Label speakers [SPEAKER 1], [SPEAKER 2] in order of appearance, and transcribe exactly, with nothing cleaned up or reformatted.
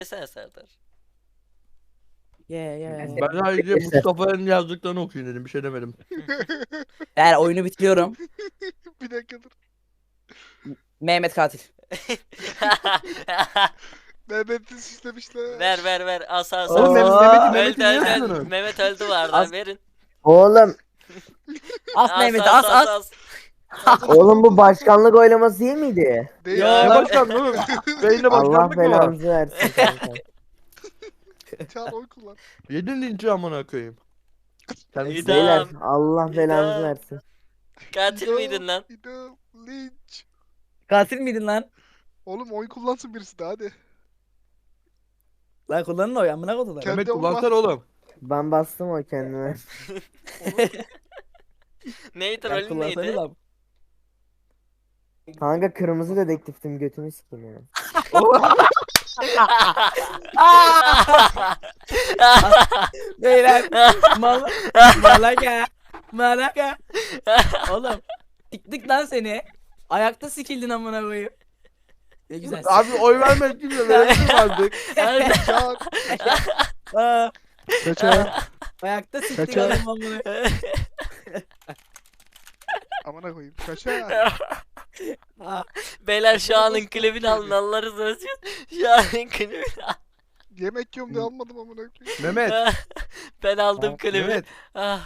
[SPEAKER 1] Sen Serdar.
[SPEAKER 2] Ye ye.
[SPEAKER 3] Ben sadece Mustafa'nın yazdıklarını okuyun dedim. Bir şey demedim.
[SPEAKER 2] Eğer oyunu bitiriyorum.
[SPEAKER 4] Bir dakika dur.
[SPEAKER 2] Mehmet katil.
[SPEAKER 4] Mehmet'i süslemişler.
[SPEAKER 1] ver ver ver. As as
[SPEAKER 3] Oğlum
[SPEAKER 1] as.
[SPEAKER 3] Mehmet- Mehmet'i
[SPEAKER 1] Öldü
[SPEAKER 3] Mehmet'i niye
[SPEAKER 1] öldü öldü.
[SPEAKER 3] yapıyorsun?
[SPEAKER 1] Mehmet öldü bu arada.
[SPEAKER 2] As-
[SPEAKER 1] Verin.
[SPEAKER 5] Oğlum,
[SPEAKER 2] As Mehmet'i as as.
[SPEAKER 5] oğlum bu başkanlık oylaması değil miydi?
[SPEAKER 4] Değil
[SPEAKER 2] Yo.
[SPEAKER 3] Ne
[SPEAKER 4] ya.
[SPEAKER 3] başkanlığı oğlum? Beyinde
[SPEAKER 5] Allah
[SPEAKER 3] başkanlık mı var?
[SPEAKER 5] belanızı versin kanka.
[SPEAKER 4] Çağır oy kullan.
[SPEAKER 3] Yedin linci amına koyayım. Kendisi
[SPEAKER 1] İdam.
[SPEAKER 5] Beyler Allah belanızı
[SPEAKER 1] İdam.
[SPEAKER 5] versin.
[SPEAKER 1] Katil
[SPEAKER 4] İdam,
[SPEAKER 1] miydin lan?
[SPEAKER 4] İdam, linç.
[SPEAKER 2] Katil miydin lan?
[SPEAKER 4] Oğlum oy kullansın birisi de hadi.
[SPEAKER 2] Lan kullanın o amına kodular.
[SPEAKER 4] Kendi
[SPEAKER 3] Mehmet
[SPEAKER 4] olma.
[SPEAKER 3] kullansana oğlum.
[SPEAKER 5] Ben bastım o kendime.
[SPEAKER 1] Neydi
[SPEAKER 2] Ya
[SPEAKER 1] rolün
[SPEAKER 2] kullansanız
[SPEAKER 1] neydi?
[SPEAKER 2] abi.
[SPEAKER 5] Kanka kırmızı dedektiftim götümü sikeyim ya.
[SPEAKER 2] Beyler. Mal Malaka. Malaka. Oğlum. Siktik lan seni. Ayakta sikildin amına koyayım. Ne güzel.
[SPEAKER 3] Abi oy vermedik kimse verelim artık.
[SPEAKER 4] Çağır.
[SPEAKER 2] Aa,
[SPEAKER 4] Kaçar.
[SPEAKER 2] ayakta siktik
[SPEAKER 4] Kaçar.
[SPEAKER 2] adam amına.
[SPEAKER 4] Amına koyayım. Kaçar.
[SPEAKER 2] Aa,
[SPEAKER 1] Beyler şu anın klibini alın Allah razı olsun. Şu anın klibini al.
[SPEAKER 4] Yemek yiyorum diye almadım amına koyayım.
[SPEAKER 3] Mehmet.
[SPEAKER 1] Ben aldım klibi.
[SPEAKER 3] Mehmet.
[SPEAKER 1] Ah.